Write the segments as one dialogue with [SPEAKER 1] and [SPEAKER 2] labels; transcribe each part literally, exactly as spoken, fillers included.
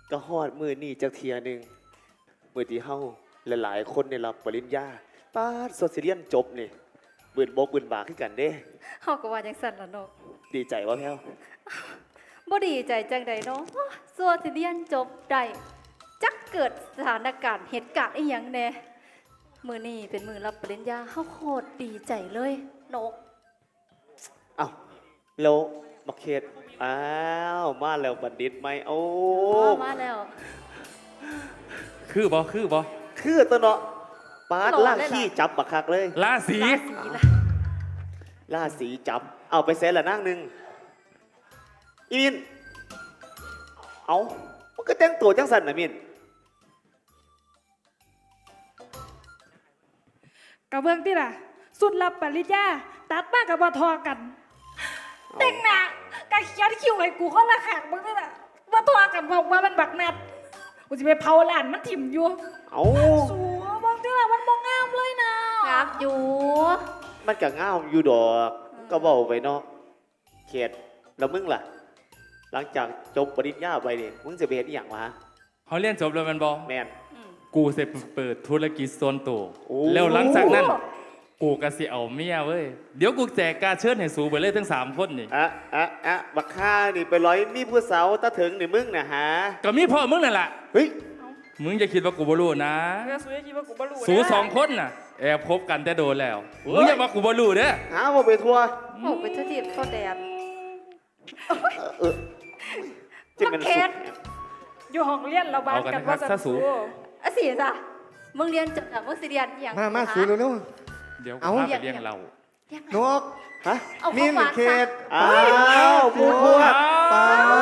[SPEAKER 1] ก็ฮอดมือนี่จักเทียหนึ่งมือที่เฮาหลายๆคนได้รับปริญญาป้าดโซเซียนจบนี่บืนบกบืนบากขึ้นกันเด้
[SPEAKER 2] เฮาก็ว่าจังซั่นล่ะนก
[SPEAKER 1] ดีใจว่าแพ้ว
[SPEAKER 2] บ่ดีใจจังใดเนาะสัวที่เรียนจบได้จักเกิดสถานการณ์เหตุการณ์อีหยังแน่มื้อนี้เป็นมื้อรับปริญญาเฮาโคตรดีใจเลยนก
[SPEAKER 1] เอ้าแล้วบักเขตอ้าวมาแล้วบัณฑิตไหมโอ้
[SPEAKER 2] อ๋อมาแล้ว
[SPEAKER 3] คือบ่คือบ่
[SPEAKER 1] คือตัวเนาะป้าด
[SPEAKER 2] หล่อ
[SPEAKER 1] ล่าง
[SPEAKER 2] เลยเหรอ
[SPEAKER 1] ขี้จับบักคักเลย
[SPEAKER 3] ราศี
[SPEAKER 2] ราศีล่ะ
[SPEAKER 1] ล่าสีจับ เอาไปเซ็นละนั่งหนึ่งอีมินเอามันก็แต่งตัวจังสันนะมิน
[SPEAKER 4] กระเบื้องที่ล่ะ สุดรับปริญญาตัดมากกับบทอกันเด็กหนากะเขียนคิวให้กูเขาละขางมึงนี่ล่ะบทอกันบอกว่ามันบักนัดกูจะไปเผาหลานมันถิ่มอยู่
[SPEAKER 1] เอา
[SPEAKER 4] สัวบางที่ล่ะมันมองงามเลยนะ
[SPEAKER 2] งามอยู่
[SPEAKER 1] มันก็ง่ามอยู่ดอก ก็บอกไปเนาะเขตแล้วมึงล่ะ หลังจากจบปริญญาไปเนี่ยมึงจะไปเห็นอหย่างวะ
[SPEAKER 3] เขาเรียนจบแล้วแมันบ่
[SPEAKER 1] แมน
[SPEAKER 3] กูสิเปิดธุรกิจส่วนตัว
[SPEAKER 1] โอ้
[SPEAKER 3] แล้วหลังจากนั้น กูก็สิเอาเมียเว้ยเดี๋ยวกูแจกการเชิญให้สูไปเลยทั้งสามคนนี่
[SPEAKER 1] อะอะอะบักข้านี่ไปร้อยมีผู้สาวตาถึงนี่มึงนะฮะ
[SPEAKER 3] ก็มีพ่อมึงนั่นแหละ
[SPEAKER 1] เฮ้ย
[SPEAKER 3] มึงอย่าคิดว่ากูบ่รู้นะ
[SPEAKER 4] เรื่องสัวคิดว่ากูบรรลุ
[SPEAKER 3] สูสองคนน่ะแอบคบกันแต่โดนแล้วมึงอย่ามากูบ่รู้เด้อ
[SPEAKER 1] หาว่าไปทัวร์
[SPEAKER 2] โอ้ไปเทศเขาแดด
[SPEAKER 1] เออจะเป็น
[SPEAKER 2] บักเข
[SPEAKER 1] สุ
[SPEAKER 2] ต
[SPEAKER 1] ด
[SPEAKER 4] อยู่ห้องเรียนเราบ้านกันว่าสัน
[SPEAKER 2] อ่ะสิจ้ะมึงเรียนจบแล้วมึงสิเรียนอหย่าง
[SPEAKER 5] มามาสูเร็ว
[SPEAKER 3] เดี๋ยวกู
[SPEAKER 5] เอา
[SPEAKER 3] พาไปเลี้ยงเรา
[SPEAKER 2] ยังไง
[SPEAKER 5] ๆนก
[SPEAKER 1] ฮะ
[SPEAKER 2] เอา
[SPEAKER 5] มิ
[SPEAKER 2] เข้าน มา
[SPEAKER 5] เขต
[SPEAKER 1] อ้าวผู้พวก
[SPEAKER 5] ไป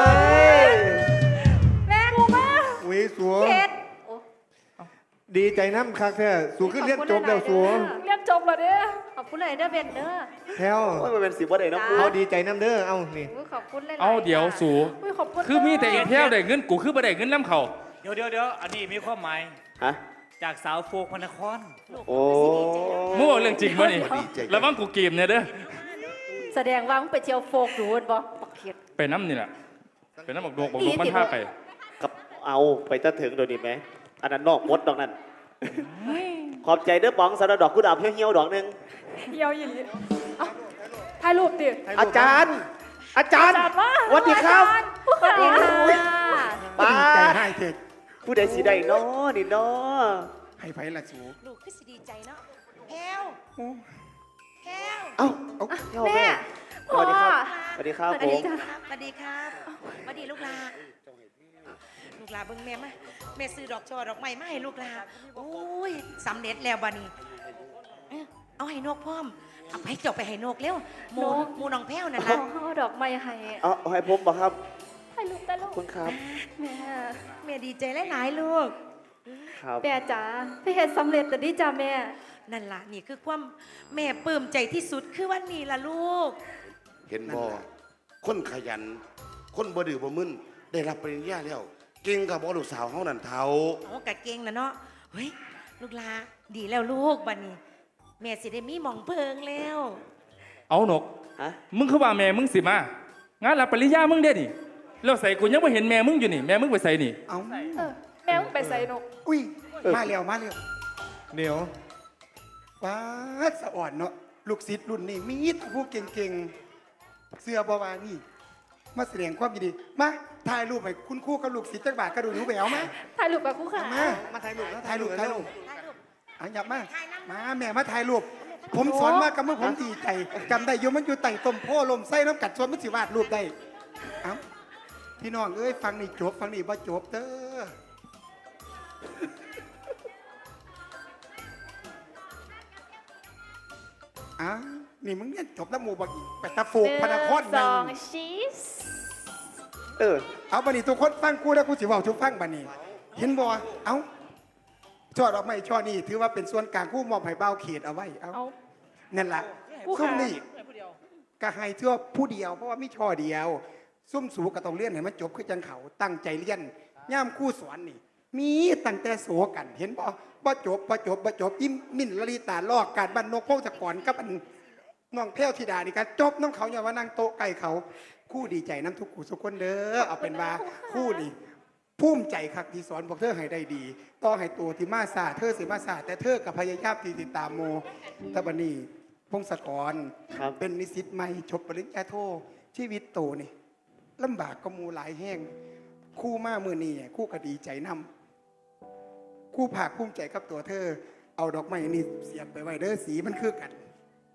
[SPEAKER 2] แม่กูมา
[SPEAKER 5] วิสัว
[SPEAKER 2] เขตโอ้
[SPEAKER 5] ดีใจน้ำคักแท้สูขึ้นเรียนจบแล้วสัว
[SPEAKER 4] เรียนจบแล้วเด้อ
[SPEAKER 2] ขอบคุณเลยเด้อเบนเด้อ
[SPEAKER 5] แถว
[SPEAKER 1] โอ้ยมันเป็นสิบวันเลยเนาะ
[SPEAKER 2] จ้า
[SPEAKER 5] เขาดีใจน้ำเด้อเอานี่
[SPEAKER 2] โอ้ยขอบคุณเลย
[SPEAKER 3] เอาเดี๋ยวสู
[SPEAKER 4] อุ้ยขอบคุณ
[SPEAKER 3] คือมีแต่อีกแถวได้เงินกูคือบ่ได้เงินน้ำเขา
[SPEAKER 6] เดี๋ยวเดี๋ยวเดี๋ยวอันนี้มีความหมาย
[SPEAKER 1] ฮะ
[SPEAKER 6] จากสาวโฟกพระนคร
[SPEAKER 1] โอ้
[SPEAKER 3] มึงบอกเรื่องจริงป่ะนี่ระวังกูเกมเนี่ยเด้อ
[SPEAKER 2] แสดงว่ามึงไปเที่ยวโฟกดูนบ่บักเขต
[SPEAKER 3] ไปน้ำนี่แหละไปน้ำบอกดวงบอกดวงมันท่าไป
[SPEAKER 1] กับเอาไปตาถึงโดยวนี้ไหมอันนั้นนอกมดดอกนั้น ขอบใจเด้อป๋องสำหรับดอกกุหลาบเหี่ยวๆดอกหนึง
[SPEAKER 4] เหี่ยวอีหลีเอ้าถ่ายรูปดิ
[SPEAKER 1] อาจารย์ อาจารย์
[SPEAKER 4] อาจารย์ว่า
[SPEAKER 1] สวัสดีครับ
[SPEAKER 2] สวัสดีค่ะ
[SPEAKER 1] ป้า
[SPEAKER 5] ดีใจให้เถิด
[SPEAKER 1] ผู้ใดสีใดน้อนี่น้อ
[SPEAKER 5] ให้ไผละสู
[SPEAKER 7] ลูกคือสิดีใจเนาะแพลวแพลว
[SPEAKER 1] เอ้าเอ้าเอ้า
[SPEAKER 2] แม่
[SPEAKER 1] สวัสดีครับสวัสดีครับ
[SPEAKER 2] สวัส
[SPEAKER 1] ผ
[SPEAKER 2] ดี
[SPEAKER 1] ม
[SPEAKER 2] จ้ะ
[SPEAKER 7] สวัสดีครับสวัสดีลูกหลาลูกหลาเบิ่งแม่มาแม่ซื้อดอกช่อดอกไม้มาให้ลูกหลาโอ้ยสำเร็จแล้วบัดนี้เอ้าเอาให้นกพร้อมเอาไปจบไปให้นกเร็วหมูหมูน้องแพลวนั่น
[SPEAKER 2] เอา
[SPEAKER 7] ล่ะ
[SPEAKER 2] เอาดอกไม้ให้
[SPEAKER 1] เอาเอาให้ผมบอกครับ
[SPEAKER 2] ให้ลูกแต่ลู
[SPEAKER 1] ขอบ
[SPEAKER 2] ก
[SPEAKER 1] คุณครับ
[SPEAKER 2] แม่
[SPEAKER 7] แม่ดีใจหลายๆลูก
[SPEAKER 1] ครับ
[SPEAKER 2] แม่จ๋าไปเห็นสำเร็จแต่ดีจ้าแม่
[SPEAKER 7] นั่นล่ะนี่คือความแม่ปลื้มใจที่สุดคือวันนี้ล่ะลูก
[SPEAKER 8] เห็นบ่คนขยัน คนบ่ดื้อบ่มึนได้รับปริญญาแล้ว เก่งกับบ่ลูกสาวเฮานั่นเท่า
[SPEAKER 7] โอ้กะเก่งนะเนาะเฮ้ยลูกหลาดีแล้วลูกบัดนี้ แม่สิได้มีหมองเพิงแล้ว
[SPEAKER 3] เอาหนก
[SPEAKER 1] ฮะ
[SPEAKER 3] มึงคือว่าแม่มึงสิมางานรับปริญญามึงเด้นี่แล้วใส่กูยังไม่เห็นแม่มึงอยู่นี่แม่มึงไปใส่นี่
[SPEAKER 5] เอา
[SPEAKER 4] เออแม่มึงไปใส่นก
[SPEAKER 5] อุ้ยมาแล้วมาแล้วเดี๋ยวว้าดสะอ่อนเนาะลูกศิษย์รุ่นนี้มีแต่ผู้เก่งๆเสื้อบาวานี่ มาแสดงความยินดีมาถ่ายรูปให้คุณครู่กับลูกศิษย์จักบาทกระดูกหนูแหววมา
[SPEAKER 4] ถ่ายรูปกับคู่ขา
[SPEAKER 5] มามาถ่ายรูปนะถ่ายรูปถ่ายรูปอันหยับมา มาแม่มาถ่ายรูป ผมสอนมากกับเมื่อผมดีใจจำได้อยู่มันอยู่ไต่ต้มโพลมไส้น้ำกัดส่วนมันสิวาดรูปได้เอ้าพี่น้องเอ้ยฟังนี่จบฟังนี่บ่จบเด้ออ้าวนี่มึงเนี่ยจบแล้วหมู่บักไปตะโฟกพนักคอน
[SPEAKER 4] ส
[SPEAKER 5] นั่
[SPEAKER 4] อง
[SPEAKER 5] ง
[SPEAKER 4] ชีส
[SPEAKER 1] เออ
[SPEAKER 5] เอาบันนี้ทุกคนฟังกูแล้วกูสิเว่าทุกฟังบันนี้ เห็นบ่เอ้าช่อดอกไม้ช่อนี้ถือว่าเป็นส่วนกลางกู้มอบให้เบ้าเขตเอาไว้เอ้า
[SPEAKER 4] เอา
[SPEAKER 5] นั่นล่ะ
[SPEAKER 4] ผู้
[SPEAKER 5] ซุ่ม
[SPEAKER 4] ขา
[SPEAKER 5] นี่ก็ให้เชื่อผู้เดียวเพราะว่ามีช่อเดียว ซุ่มสูก็ต้องเรียนให้มันจบคือจังเขาตั้งใจเรียนย่ามคู่สอนนี่ มีตั้งแต่โสกันเห็นบ่บ่จบบ่จบบ่จบยิ้มมิ่นละลีตาลอกการบ้านนกพงศกรกับอันน้องแพ้วธิดานี่กันจบน้องเขาอย่าว่านั่งโต๊ะไก่เขาคู่ดีใจน้ำทุกคู่ทุกคนเด้อเอาเป็นว่าคู่นี่ภูมิใจคักที่สอนพวกเธอให้ได้ดีต่อให้ตัวที่มาซาเธอสิมาซาแต่เธอกับพยายามที่ติดตามโมตะบันนี่พงศกร
[SPEAKER 1] ครับ
[SPEAKER 5] เป็นนิสิตใหม่จบปริญญาโทชีวิตโตนี่ลำบากก็มูหลายแห้งครู่มามือนี่ครู่ก็ดีใจนำครู่ภาคภูมิใจกับตัวเธอ เอาดอกไม้นี่เสียบไปไว้เด้อสีมันคือกัน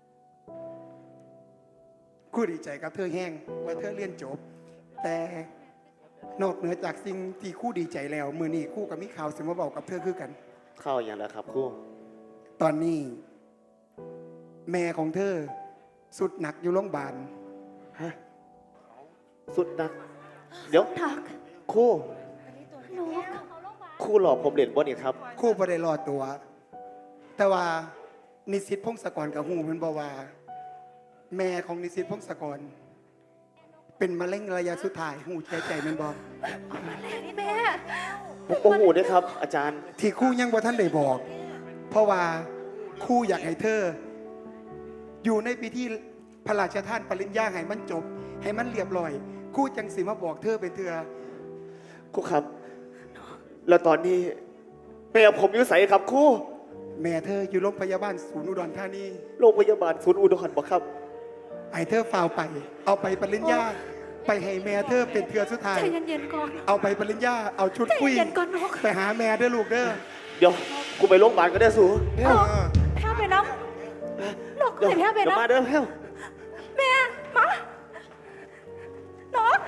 [SPEAKER 5] ครู่ดีใจกับเธอแห้งว่าเธอเรียนจบ แต่นอกเหนือจากสิ่งที่ครู่ดีใจแล้ว มือนี่ครู่กับมิข่าวสิมาบอกกับเธอคือกัน
[SPEAKER 1] เข้าอย่างไรครับครู่
[SPEAKER 5] ตอนนี้ แม่ของเธอ สุดหนักอยู่โรงพยาบาล
[SPEAKER 1] ฮะสุดนัก เดี๋ยว
[SPEAKER 2] ทัก
[SPEAKER 1] ครู่
[SPEAKER 2] นก
[SPEAKER 1] ครู่หลอกผมเล่นบ่นี่ครับ
[SPEAKER 5] ครู่บ่ได้รอดตัว แต่ว่านิสิตพงศกรกับหูมันบอกว่า แม่ของนิสิตพงศกร เป็นมะเร็งระยะสุดท้ายหูใจใจมันบอก
[SPEAKER 2] แม่
[SPEAKER 1] ผมโอ้โหด้วยครับ อาจารย์
[SPEAKER 5] ที่ครู่ยังบ่ท่านได้บอก เพราะว่าครู่อยากให้เธอ อยู่ในพิธีพระราชทานปริญญาให้มันจบ ให้มันเรียบร้อยครู่จังสิมาบอกเธอเป็นเธอ
[SPEAKER 1] ครู่ครับ แล้วตอนนี้แม่ผมอยู่ไสครับครู่
[SPEAKER 5] แม่เธออยู่โรงพยาบาลศูนย์อุดรธานี
[SPEAKER 1] โรงพยาบาลศูนย์อุดรบ่ครับ
[SPEAKER 5] ไอ้เธอฝ่าวไป เอาไปปริญญา ไปให้แม่เธอเป็นเทือสุดท้าย
[SPEAKER 2] ใจเย็นๆก่อน
[SPEAKER 5] เอาไปปริญญา เอาชุด
[SPEAKER 2] ใจ
[SPEAKER 5] คุย
[SPEAKER 2] เย็นก่อนนก
[SPEAKER 5] ไปหาแม่เด้อลูกเด้อ
[SPEAKER 1] เดี๋ยวกูไปโรงพยาบาลก็ได้สู
[SPEAKER 5] เด้อ
[SPEAKER 2] แพ้ไปน้ำนก
[SPEAKER 1] เดี๋ยว
[SPEAKER 2] เห็นแพ้ไป
[SPEAKER 1] เดี๋ยว
[SPEAKER 2] น้ำ
[SPEAKER 1] มาเด้อแพ้ว
[SPEAKER 2] แม่มานก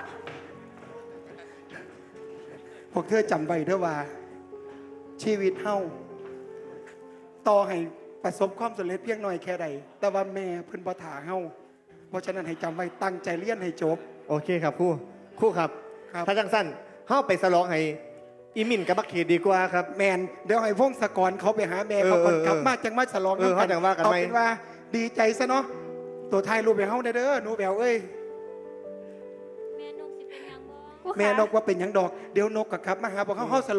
[SPEAKER 5] พวกเธอจำไว้เด้อว่า ชีวิตเฮาต่อให้ประสบความสำเร็จเพียงน้อยแค่ใด แต่ว่าแม่เพิ่นบ่ถาเฮาเพราะฉะนั้นให้จำไว้ตั้งใจเรียนให้จบ
[SPEAKER 9] โอเคครับครู่ครู่ครับ
[SPEAKER 5] ครับ
[SPEAKER 9] ถ้าจังสั้นเฮาไปสลองให้อีมินกับบักเขตดีกว่าครับ
[SPEAKER 5] แมนเดี๋ยวให้พงศกรเขาไปหาแม่เขาก่อน
[SPEAKER 9] เออเออ
[SPEAKER 5] กลับมาจังมาฉลอง
[SPEAKER 9] เออ
[SPEAKER 5] น้ำ
[SPEAKER 9] เขาจังว่ากัน
[SPEAKER 5] เอา
[SPEAKER 9] ไหม
[SPEAKER 5] เป็นว่าดีใจซะเนาะตัวไทายรูปไปเฮาได้เด้อหนูแบวเอ้ย
[SPEAKER 4] แม่นกสิเป็นหยังบ่
[SPEAKER 2] กู
[SPEAKER 5] แม่
[SPEAKER 2] ขาน
[SPEAKER 5] กว่าเป็นหยังดอกเดี๋ยวนกกับครับมาหาพวกเขาเฮาส